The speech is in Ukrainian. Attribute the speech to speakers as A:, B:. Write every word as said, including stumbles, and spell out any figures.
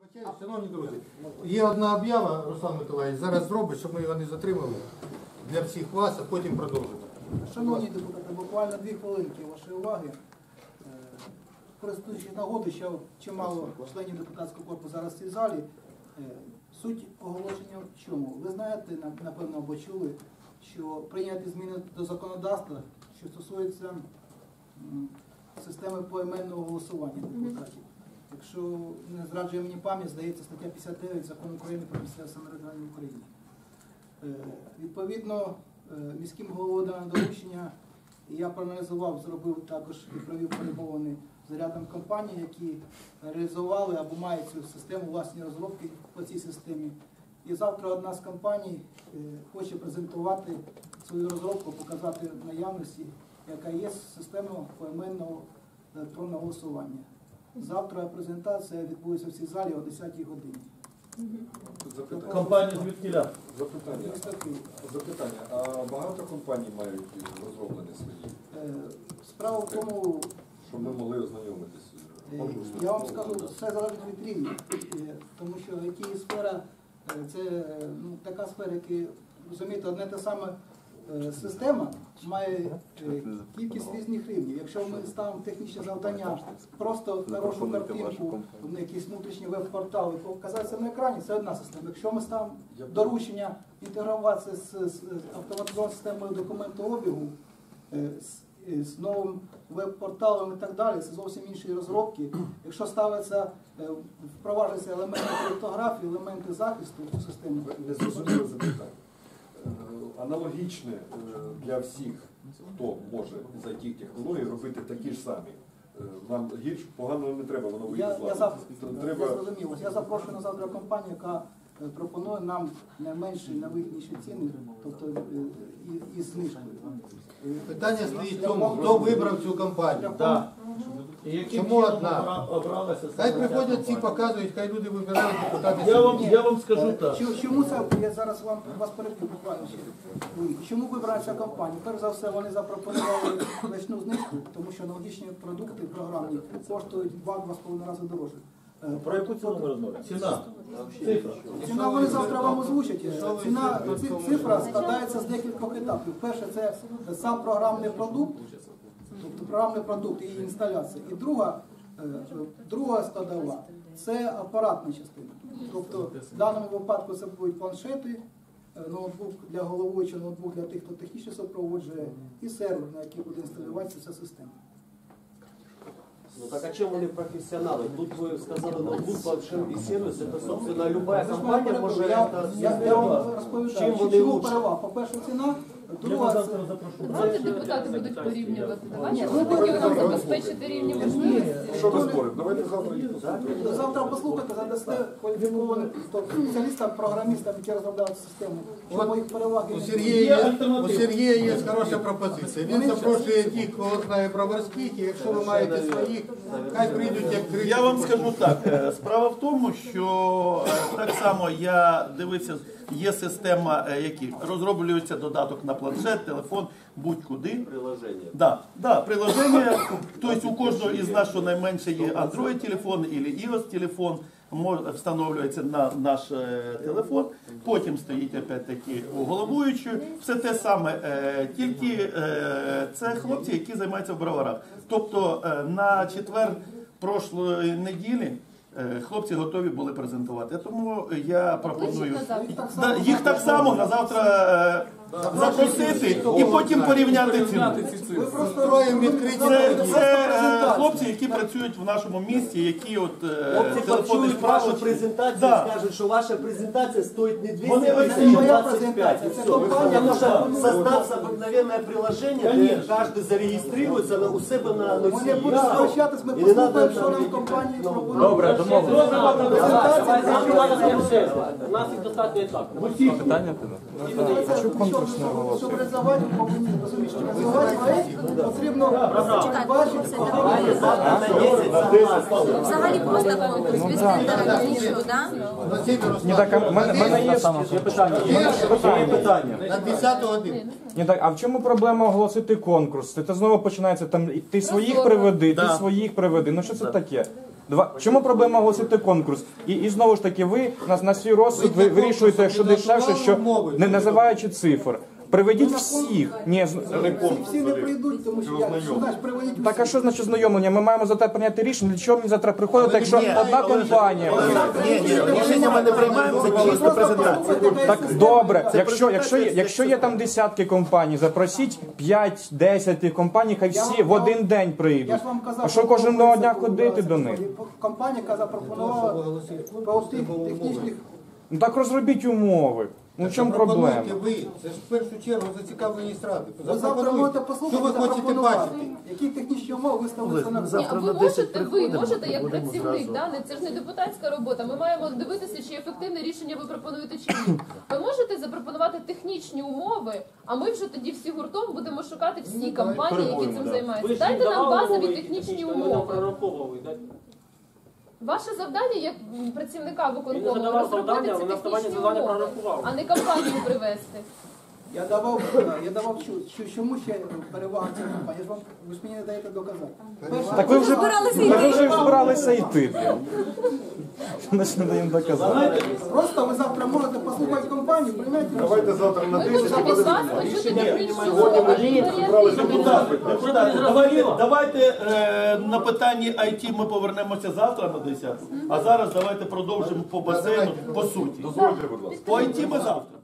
A: Шановні друзі, є одна об'ява, Руслан Миколаївич, зараз зробить, щоб ми його не затримали для всіх вас, а потім продовжимо.
B: Шановні депутати, буквально дві хвилинки вашої уваги. Користуючись нагодою, що чимало членів депутатського корпусу зараз в цій залі, суть оголошення в чому? Ви знаєте, напевно, або чули, що прийняті зміни до законодавства, що стосується системи поіменного голосування депутатів. Якщо не зраджує мені пам'ять, здається, стаття п'ятдесят дев'ять Закону України про місцеве самоврядування в Україні. Відповідно, міським головою дано доручення, і я проаналізував, зробив також і провів перемовини з рядом компаній, які реалізували або мають цю систему, власні розробки по цій системі. І завтра одна з компаній хоче презентувати свою розробку, показати наявності, яка є система поіменного електронного голосування. Завтра презентація відбудеться в цій залі о десятій годині.
C: Запитання. Компанія звідкіля?
D: Запитання. Запитання. А багато компаній мають розроблені свої?
B: Справа в тому,
D: щоб ми могли ознайомитися.
B: Я вам скажу, все залежить від рівня, тому що ай ті-сфера – це ну, така сфера, яка, розумієте, одне те саме система має кількість різних рівнів. Якщо ми ставимо технічне завдання, просто хорошу картинку, якийсь внутрішній веб-портал і показати це на екрані, це одна система. Якщо ми ставимо доручення інтегруватися з, з автоматизованою системою документообігу, з, з новим веб-порталом і так далі, це зовсім інші розробки. Якщо ставиться, впроваджуються елементи криптографії, елементи захисту в цю систему.
D: Не зрозуміло запитання. Аналогічне для всіх, хто може з ай ті-технологій робити такі ж самі. Нам гірш, погано не треба, воно вийде з ладу.
B: Я зрозумів. Я запрошую на завтра компанію, яка пропонує нам найменші, найвигідніші ціни, тобто і, і знижкою.
A: Питання стоїть в тому, хто вибрав цю компанію.
C: Да.
A: Чому одна? Хай приходять ці, показують, хай люди вибирають депутати.
C: Я вам, я вам скажу так.
B: Чому це, я зараз вам, вас переб'ю буквально ще. Чому вибрала ця компанія? Перш за все, вони запропонували значну знижку, тому що аналогічні продукти програмні коштують в два-два з половиною рази дорожче.
C: Про яку ціну ми розмовляємо? Ціна. Цифра.
B: Ціна вони завтра вам озвучать. Ціна, цифра складається з декількох етапів. Перше, це сам програмний продукт, тобто програмний продукт і її інсталяція. І друга, друга складова – це апаратна частина. Тобто в даному випадку це будуть планшети, ноутбук для головуючого, ноутбук для тих, хто технічно супроводжує, і сервер, на який буде інсталюватися ця система.
E: Ну так а чем они профессионалы? Тут вы сказали ноутбук, планшет и сервис, это, собственно, любая компания может это
B: Я, я вам розповідаю, що чому перевага? По-перше, ціна, друга це...
F: Давайте депутати будуть порівнювати. Давайте ми будемо нам забезпечити рівні можливості.
D: Що ми споримо? Давайте завтра їх послухаємо.
B: Завтра послухайте, задасте кваліфікованим спеціалістам, програмістам, які розробляють систему. Чому їх переваги?
A: У Сергія, у Сергія є хороша пропозиція. Він запрошує тих, кого знає броварських, і якщо ви маєте своїх, хай прийдуть як три.
C: Я вам скажу так. Справа в тому, що так само я дивився, є система, які розроблюється додаток на планшет, телефон, будь-куди.
E: приложение.
C: Да, да, приложення, тобто у кожного із нас, що найменше є Android-телефон або iOS-телефон, встановлюється на наш е, телефон, потім стоїть опять-таки у головуючої, все те саме, е, тільки е, це хлопці, які займаються в броварах. Тобто е, на четвер прошлої неділі е, хлопці готові були презентувати. Тому я пропоную да, їх так само на завтра е, запросити і потім порівняти ціну.
A: Ви просто роєм відкриті.
C: Це, це е, хлопці, які працюють в нашому місті, які от е,
E: Хлопці
C: телефонні
E: почують вашу
C: справочки.
E: презентацію
C: Да.
E: і скажуть, що ваша презентація стоїть не
C: Вони
E: двісті
C: оцінюють.
E: тисяч, а двадцять п'ять. И все. Потому что
C: Да.
E: создаться обыкновенное приложение, где каждый зарегистрируется на, у себе на
B: Ми не
E: носії.
B: будемо спрощатись, ми
E: І не надо
B: послухаємо, що нам
E: там
B: компанії пропонують.
E: Добре,
G: У нас їх достатньо і так.
B: Щоб реалізувати, ми повинні розуміти, що реалізувати проєкт потрібно бачити,
F: Взагалі просто конкурс, без тендера, нічого, так?
H: Ні, так, а в мене, в мене є
A: Є
H: питання. Є питання.
A: на десяту годину.
H: Ні, так, а в чому проблема оголосити конкурс? Це знову починається там, ти своїх приведи, ти
C: Да.
H: своїх приведи. Ну що це таке? Два. Чому проблема оголосити конкурс? І, і знову ж таки, ви на, на свій розсуд ви вирішуєте, що дешевше, що не називаючи цифр. Приведіть всіх. Ні, з-
B: Всі, всі не прийдуть, тому що я що знаєш, приводять
H: так а що значить знайомлення? Ми маємо за те прийняти рішення, для чого мені завтра приходити, якщо одна компанія.
C: Ні, ні, рішення ми не приймаємо, це чисто презентація.
H: Так добре, якщо, якщо, є, якщо є там десятки компаній, запросіть п'ять-десять тих компаній, хай всі в один день
B: Я
H: прийдуть.
B: ж вам казав,
H: А що кожного дня ходити до них?
B: Компанія, яка запропонувала по тих технічних.
H: Ну так розробіть умови. Ну в чому проблема?
A: Запропонуйте ви, це ж в першу чергу зацікавлені страти.
B: Ви завтра можете
A: Що
B: послухати,
A: ви хочете
B: запропонувати,
A: бачити?
B: які технічні умови виставляться на
F: Ні, а ви можете, ви можете як працівник, да? не- це ж не депутатська робота. Ми маємо дивитися, чи ефективне рішення ви пропонуєте чи ні. Ви можете запропонувати технічні умови, а ми вже тоді всі гуртом будемо шукати всі компанії, які цим
G: Ви
F: займаються.
G: ж
F: Дайте нам
G: давали
F: базові
G: умови,
F: технічні
G: ви нам
F: умови.
G: прораховували, так?
F: Ваше завдання як м, працівника
G: Він не
F: виконкому
G: задавав
F: розробити
G: завдання,
F: ці
G: ви на основанні
F: технічні
G: завдання
F: умови,
G: прорахували.
F: а не компанію привести.
B: Я давав, я давав що, що, чому ще перевага цієї компанії? Я ж вам, ви ж мені не даєте доказати. Перше,
H: Так ви вже, так ви вже збиралися йти. Ми ж не даємо доказати.
B: просто ви завтра можете послухати компанію, приймете рішення.
D: Давайте завтра на
F: Ми
D: десять
F: хочемо від вас почути технічні умови.
C: Депутати, депутати, давайте, давайте е, на питанні ай ті ми повернемося завтра на десяту, а зараз давайте продовжимо по басейну, по суті.
D: Дозвольте, будь ласка.
C: По ай ті ми завтра.